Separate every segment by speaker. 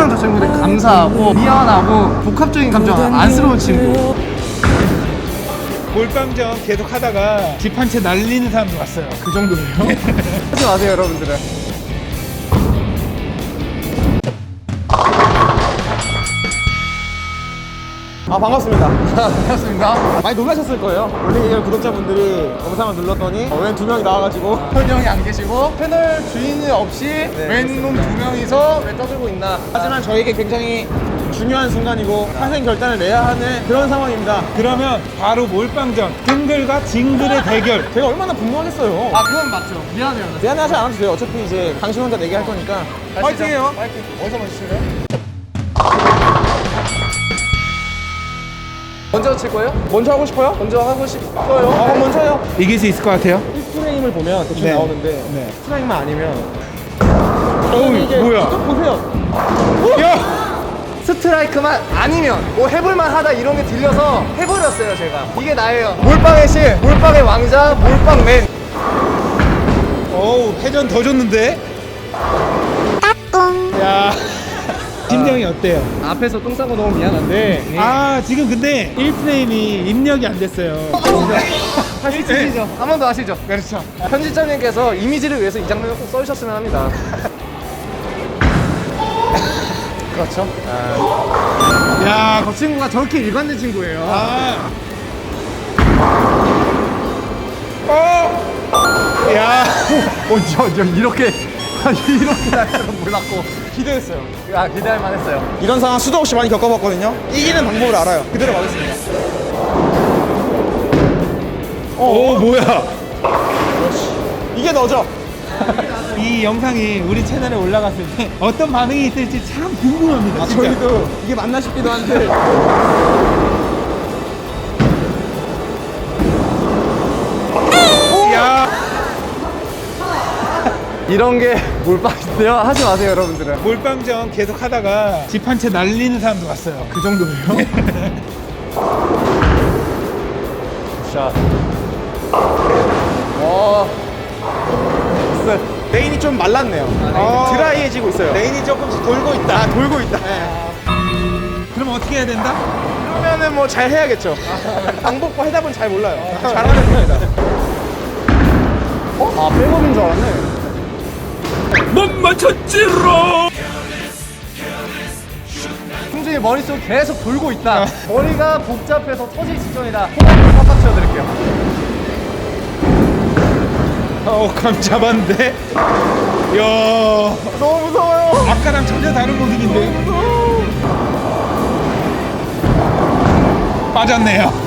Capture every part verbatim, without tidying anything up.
Speaker 1: 항상 저 친구한테 감사하고 미안하고 복합적인 감정 안쓰러운 친구.
Speaker 2: 몰빵전 계속 하다가 집 한 채 날리는 사람도 왔어요.
Speaker 1: 그 정도예요? 하지 마세요 여러분들은.
Speaker 3: 아 반갑습니다.
Speaker 1: 반갑습니다.
Speaker 3: 많이 놀라셨을 거예요. 원래 이걸 구독자분들이 영상을 눌렀더니 어, 웬 두 명이 나와가지고
Speaker 1: 현영이 안 계시고 채널 주인이 없이 웬놈 두 명이서 왜 떠들고 있나.
Speaker 3: 하지만 저에게 굉장히 중요한 순간이고 환생 결단을 내야 하는 그런 상황입니다.
Speaker 2: 그러면 바로 몰빵전 징글과 징글의 대결.
Speaker 3: 제가 얼마나 분노하겠어요.
Speaker 1: 아 그건 맞죠. 미안해요.
Speaker 3: 미안해하지 않아도 돼요. 어차피 이제 당신 혼자 내기 할 거니까 파이팅해요.
Speaker 1: 파이팅. 어디서 먼저 칠래요? 먼저 칠 거예요?
Speaker 3: 먼저 하고 싶어요?
Speaker 1: 먼저 하고 싶어요.
Speaker 3: 아 그럼 먼저 해요.
Speaker 2: 이길 수 있을 것 같아요.
Speaker 3: 일 프레임을 보면 대충
Speaker 2: 네.
Speaker 3: 나오는데
Speaker 2: 네.
Speaker 3: 프레임만 아니면
Speaker 2: 어우
Speaker 3: 이게
Speaker 2: 뭐야?
Speaker 3: 또 보세요.
Speaker 2: 야!
Speaker 1: 스트라이크만 아니면 뭐 해볼만 하다 이런 게 들려서 해버렸어요 제가. 이게 나예요. 몰빵의 신, 몰빵의 왕자, 몰빵맨.
Speaker 2: 어우 회전 더 줬는데? 야 심정이 어때요?
Speaker 1: 앞에서 똥 싸고 너무 미안한데.
Speaker 2: 아 지금 근데 일 프레임이 입력이 안 됐어요.
Speaker 1: 다시 치시죠. 한 번 더 하시죠.
Speaker 2: 그렇죠.
Speaker 1: 편집자님께서 이미지를 위해서 이 장면을 꼭 써주셨으면 합니다. 그렇죠.
Speaker 2: 야
Speaker 1: 저 친구가 저렇게 일관된 친구예요.
Speaker 2: 아. 어! 야!
Speaker 1: 어, 저, 저 이렇게 이렇게 날 줄은 몰랐고
Speaker 3: 기대했어요.
Speaker 1: 아 기대할 만했어요.
Speaker 3: 이런 상황 수도 없이 많이 겪어봤거든요. 이기는 방법을 알아요. 그대로 가겠습니다.
Speaker 2: 오 뭐야?
Speaker 3: 이게 너죠?
Speaker 2: 이 영상이 우리 채널에 올라갔을 때 어떤 반응이 있을지 참 궁금합니다. 진짜.
Speaker 3: 저희도 이게 맞나 싶기도 한데
Speaker 2: 야!
Speaker 1: 이런 게 몰빵인데요. 하지 마세요 여러분들은.
Speaker 2: 몰빵전 계속 하다가 집 한 채 날리는 사람도 왔어요.
Speaker 1: 그 정도예요? 샷. 와. 쎄.
Speaker 3: 레인이 좀 말랐네요.
Speaker 2: 아.
Speaker 3: 드라이해지고 있어요.
Speaker 2: 레인이 조금씩 돌고 있다.
Speaker 3: 아, 돌고 있다.
Speaker 2: 그럼 어떻게 해야 된다?
Speaker 3: 그러면은 뭐 잘 해야겠죠. 방법과 해답은 잘 몰라요. 잘하는 편이다.
Speaker 1: 어? 아 백업인 줄 알았네.
Speaker 2: 못 맞췄지롱!
Speaker 1: 승준이 머릿속 계속 돌고 있다. 머리가 복잡해서 터질 직전이다. 호흡을 팍팍 치워드릴게요.
Speaker 2: 어, 감 잡았는데? 야,
Speaker 1: 너무 무서워요.
Speaker 2: 아까랑 전혀 다른 모습인데? 빠졌네요.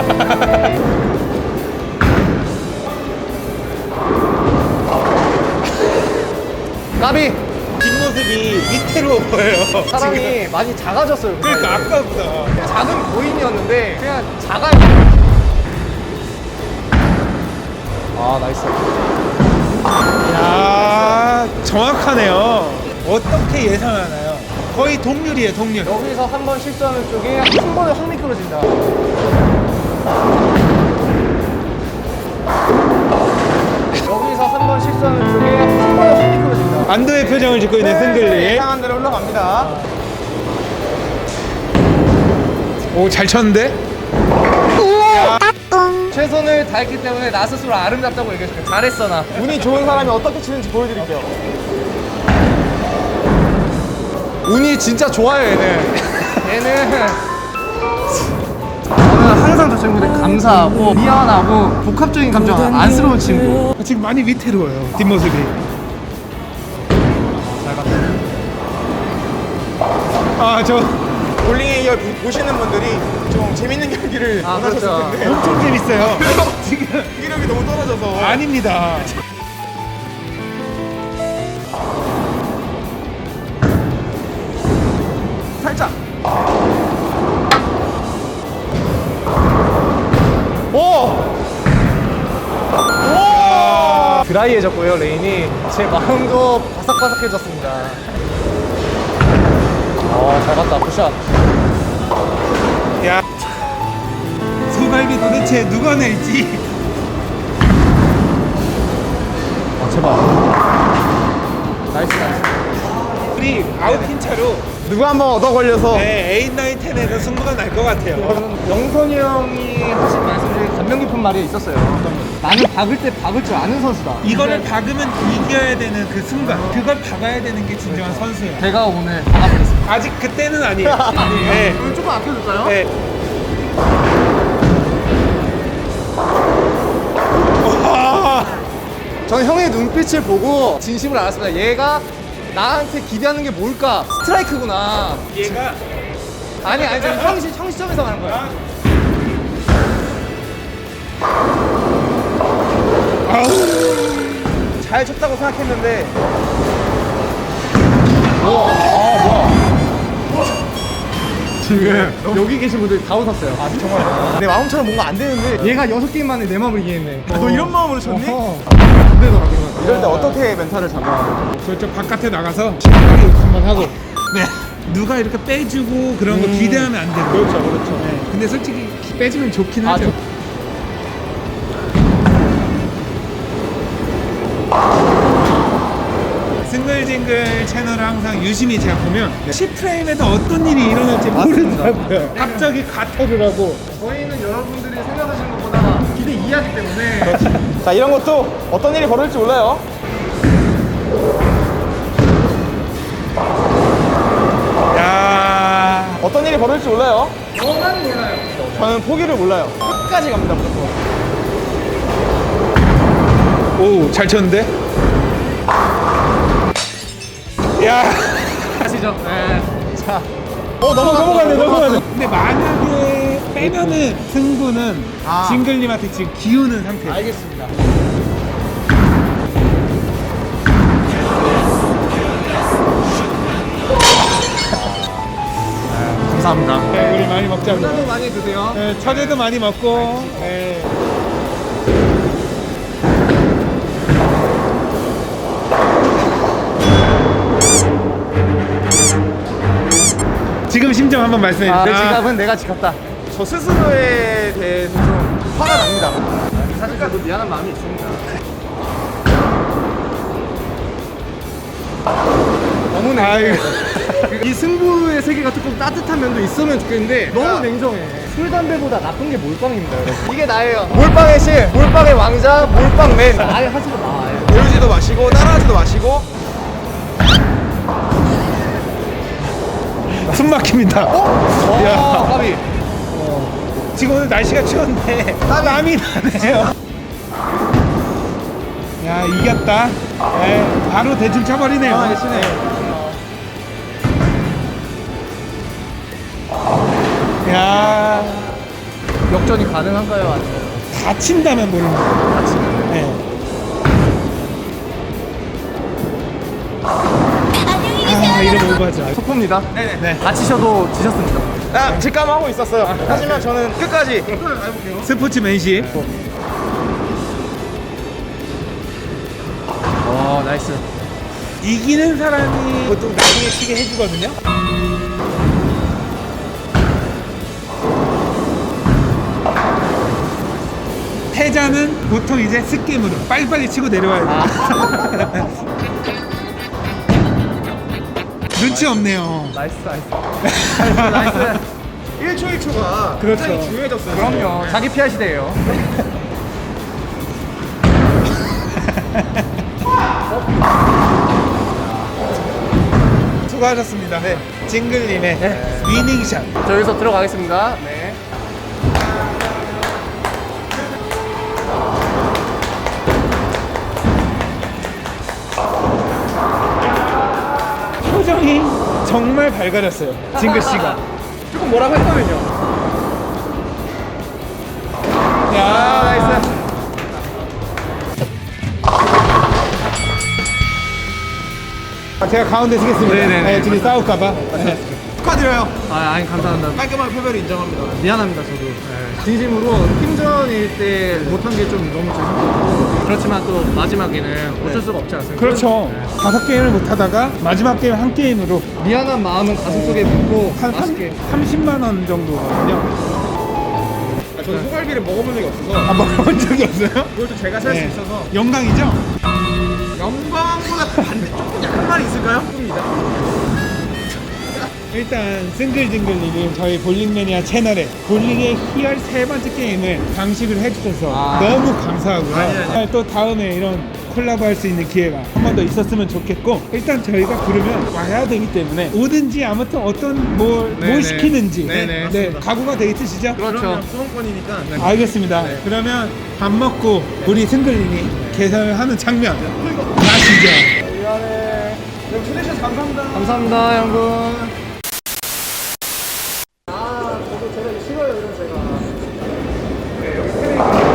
Speaker 1: 나비.
Speaker 2: 뒷모습이 위태로워 보여요.
Speaker 1: 사람이
Speaker 2: 지금.
Speaker 1: 많이 작아졌어요.
Speaker 2: 그러니까 아까보다.
Speaker 1: 작은 고인이었는데 그냥 작아요. 아 나이스.
Speaker 2: 야, 정확하네요. 어떻게 예상하나요? 거의 동률이에요, 동률.
Speaker 1: 여기서 한 번 실수하는 쪽이 한 번에 확 미끄러진다. 여기서 한 번 실수하는 쪽이 한 번에 확 미끄러진다.
Speaker 2: 안도의 표정을 짓고 있는 승글리.
Speaker 3: 예상한 대로 흘러갑니다.
Speaker 2: 오, 잘 쳤는데?
Speaker 1: 최선을 다했기 때문에 나 스스로 아름답다고 얘기해줄게. 잘했어 나.
Speaker 3: 운이 좋은 사람이 어떻게 치는지 보여드릴게요.
Speaker 1: 운이 진짜 좋아요 얘는. 얘는 저는 항상 저 친구한테 감사하고 미안하고 복합적인 감정 안쓰러운 친구.
Speaker 2: 지금 많이 위태로워요, 뒷모습이.
Speaker 1: 잘 갔다.
Speaker 2: 아, 저
Speaker 3: 볼링의 이열 보- 보시는 분들이 좀 재밌는 경기를
Speaker 1: 아,
Speaker 3: 원하셨을
Speaker 1: 그렇죠.
Speaker 3: 텐데
Speaker 2: 엄청 재밌어요. 지금.
Speaker 3: 경기력이 너무 떨어져서
Speaker 2: 아닙니다.
Speaker 3: 살짝
Speaker 1: 오! 오! 드라이해졌고요 레인이. 제 마음도 바삭바삭해졌습니다. 어, 잘 갔다 굿샷.
Speaker 2: 야, 소갈비 도대체 누가 낼지.
Speaker 1: 아 제발. 나이스 나이스.
Speaker 2: 우리 아웃핀 차로
Speaker 3: 누가 한번 얻어 걸려서
Speaker 2: 네, 팔, 구, 십에서 승부가 날 것 같아요.
Speaker 1: 영선이 형이 하신 말씀 중에 감명 깊은 말이 있었어요. 나는 박을 때 박을 줄 아는 선수다.
Speaker 2: 이거를 박으면 이겨야 되는 그 순간, 그걸 박아야 되는 게 진정한 선수예요.
Speaker 1: 제가 오늘 박아보겠습니다.
Speaker 2: 아직 그때는 아니에요.
Speaker 1: 아니에요?
Speaker 2: 네.
Speaker 1: 그럼 조금 아껴줄까요?
Speaker 2: 네. 와.
Speaker 1: 저는 형의 눈빛을 보고 진심을 알았습니다. 얘가 나한테 기대하는 게 뭘까? 스트라이크구나.
Speaker 2: 얘가
Speaker 1: 아니 아니 저는 형, 시, 형 시점에서 말한 거예요.
Speaker 3: 잘 쳤다고 생각했는데
Speaker 1: 지금 여기 계신 분들 다 웃었어요. 아
Speaker 3: 정말 내 마음처럼 뭔가 안 되는데
Speaker 1: 얘가 여섯 게임 만에 내 마음을 이해했네.
Speaker 3: 아, 너 이런 마음으로 쳤니?
Speaker 1: 어허. 안 되더라고요.
Speaker 3: 이럴 때 어떻게 멘탈을 잡아?
Speaker 2: 저쪽 바깥에 나가서 심하게 욕 한번 하고 네. 누가 이렇게 빼주고 그런 거 기대하면 안 되고
Speaker 3: 그렇죠, 그렇죠.
Speaker 2: 네. 근데 솔직히 빼주면 좋긴
Speaker 1: 아,
Speaker 2: 하죠.
Speaker 1: 저-
Speaker 2: 싱글징글 채널을 항상 유심히 제가 보면 십 프레임에도 어떤 일이 일어날지 모르더라고요. 갑자기 가터를 하고
Speaker 1: 저희는 여러분들이 생각하시는 것보다 기대 이해하기 때문에
Speaker 3: 자, 이런 것도 어떤 일이 벌어질지 몰라요.
Speaker 2: 야
Speaker 3: 어떤 일이 벌어질지 몰라요.
Speaker 1: 저만 몰라요.
Speaker 3: 저는 포기를 몰라요. 끝까지 갑니다, 무조건.
Speaker 2: 오, 잘 쳤는데? 야
Speaker 1: 아시죠? 네. 자,
Speaker 3: 어, 넘어, 넘어가네, 넘어가네.
Speaker 2: 근데 만약에 빼면은 승부는
Speaker 1: 아.
Speaker 2: 징글님한테 지금 기우는 상태예요.
Speaker 1: 알겠습니다. 감사합니다.
Speaker 2: 네, 우리 많이 먹자고.
Speaker 1: 부담도 많이 드세요.
Speaker 2: 네, 처제도 많이 먹고. 네. 지금 심정 한번 말씀해
Speaker 1: 아, 내
Speaker 2: 주세요.
Speaker 1: 지갑은 내가 지켰다.
Speaker 3: 저 스스로에 대해서 좀 화가 납니다.
Speaker 1: 사실 저도 미안한 마음이 있습니다. 너무
Speaker 2: 아유.
Speaker 1: 냉정해. 이 승부의 세계가 조금 따뜻한 면도 있으면 좋겠는데 너무 냉정해. 술, 담배보다 나쁜 게 몰빵입니다, 여러분. 이게 나예요. 몰빵의 신, 몰빵의 왕자, 몰빵맨. 아예 하시고 나. 아예.
Speaker 3: 배우지도 마시고, 따라하지도 마시고.
Speaker 2: 숨 막힙니다.
Speaker 1: 어? 야, 까비.
Speaker 2: 지금 오늘 날씨가 추운데 땀이 나네요. 야 이겼다. 네, 바로 대충 쳐버리네요.
Speaker 1: 아, 시네.
Speaker 2: 야
Speaker 1: 역전이 가능한가요? 아니면
Speaker 2: 다친다면 모르는 거예요.
Speaker 1: 다치면?
Speaker 2: 네. 아 이런 오버죠.
Speaker 1: 속보입니다.
Speaker 3: 네네.
Speaker 2: 네.
Speaker 1: 다치셔도 지셨습니다.
Speaker 3: 아, 직감하고 있었어요. 하지만 저는 끝까지.
Speaker 2: 스포츠맨십.
Speaker 1: 어, 나이스.
Speaker 2: 이기는 사람이 보통 나중에 치게 해주거든요. 패자는 보통 이제 스게임으로 빨리빨리 치고 내려와야 돼요. 눈치 없네요.
Speaker 1: 나이스, 나이스. 나이스, 나이스.
Speaker 3: 일 초 일 초가
Speaker 2: 그렇죠.
Speaker 3: 굉장히 중요해졌어요.
Speaker 1: 그럼요. 자기 피할 시대예요.
Speaker 2: 수고하셨습니다. 네. 징글님의
Speaker 1: 네.
Speaker 2: 위닝샷.
Speaker 1: 저 여기서 들어가겠습니다. 네.
Speaker 2: 표정이 정말 밝아졌어요. 징글 씨가.
Speaker 1: 조금 뭐라고 했거든요.
Speaker 2: 야,
Speaker 1: 아, 나이스.
Speaker 2: 아, 제가 가운데 서겠습니다.
Speaker 1: 네네네.
Speaker 2: 네, 둘이 싸울까봐. 네.
Speaker 3: 축하드려요.
Speaker 1: 아, 아니, 감사합니다.
Speaker 3: 깔끔한 패배를 인정합니다.
Speaker 1: 미안합니다, 저도. 네. 진심으로 팀전일 때 못한 게 좀 너무 죄송하고 그렇지만 또 마지막에는 어쩔 수가 없지 않습니까?
Speaker 2: 그렇죠.
Speaker 1: 네.
Speaker 2: 다섯 게임을 못 하다가 마지막 게임 한 게임으로
Speaker 1: 미안한 마음은 가슴속에 묻고
Speaker 2: 한
Speaker 1: 맛있게.
Speaker 2: 삼십만 원 정도거든요.
Speaker 3: 아, 저는 소갈비를 먹어본 적이 없어서
Speaker 2: 아, 먹어본 적이 없어요?
Speaker 3: 그것도 제가 살 수
Speaker 2: 네.
Speaker 3: 있어서
Speaker 2: 영광이죠?
Speaker 3: 영광보다 반대쪽 약간만 있을까요?
Speaker 2: 일단 싱글징글님이 저희 볼링 매니아 채널에 볼링의 희열 세 번째 게임을 장식을 해주셔서
Speaker 3: 아.
Speaker 2: 너무 감사하고요.
Speaker 3: 아니, 아니.
Speaker 2: 또 다음에 이런 콜라보 할 수 있는 기회가 한 번 더 있었으면 좋겠고, 일단 저희가 부르면 와야 되기 때문에 오든지 아무튼 어떤 뭘, 뭘
Speaker 1: 네네.
Speaker 2: 시키는지
Speaker 1: 네네.
Speaker 2: 네, 각오가 돼 있으시죠?
Speaker 1: 그렇죠.
Speaker 3: 수험권이니까.
Speaker 2: 알겠습니다. 그러면 밥 먹고 우리 승글님이 개설하는 장면 가시죠.
Speaker 3: 미안해. 여러분 초대해주셔서 감사합니다.
Speaker 1: 감사합니다, 여러분. 아, 저도 제가 이거 싫어요, 이런 제가. 네, 여기 패딩.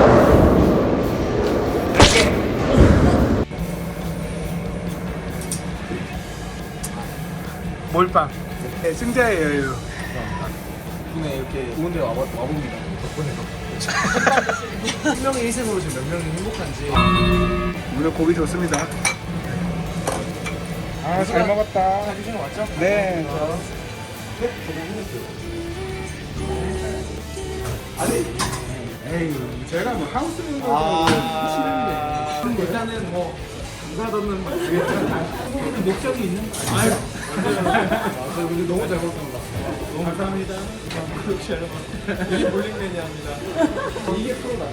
Speaker 2: 몰빵. 네, 승자의 여유.
Speaker 3: 덕분에 이렇게 좋은 데 와봐, 와봅니다. 덕분에. 한 명의 희생으로 지금 몇 명이 행복한지.
Speaker 2: 오늘 고기 좋습니다. 아, 잘 먹었다.
Speaker 3: 잘 드시는 거 맞죠?
Speaker 2: 네. 에이, 제가 뭐 하우스 멤버들
Speaker 3: 아, 일단은 뭐 감사하다는 말 일단 목적이 있는 거 아니에요? 아유, 근데 너무 잘 먹었습니다. 너무 감사합니다. 역시 여러분, 이게 볼링 매니아입니다. 이게 프로다.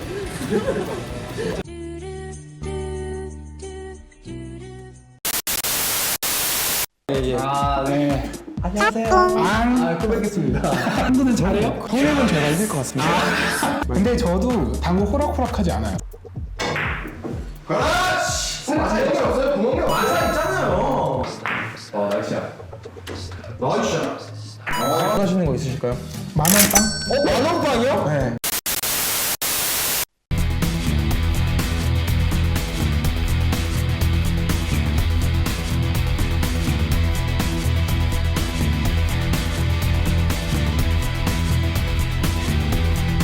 Speaker 1: 아, 네.
Speaker 3: 안녕하세요.
Speaker 1: 아, 또 뵙겠습니다.
Speaker 4: 당구는 잘해요? 형님은 제가 이길 것 같습니다. 근데 저도 당구 호락호락하지 않아요.
Speaker 3: 재능이 없어요. 구멍이 완사 있잖아요. 어, 나이스야. 나이스야. 하시는 거 있으실까요?
Speaker 4: 만원빵?
Speaker 3: 어, 만원빵이요?
Speaker 4: 네.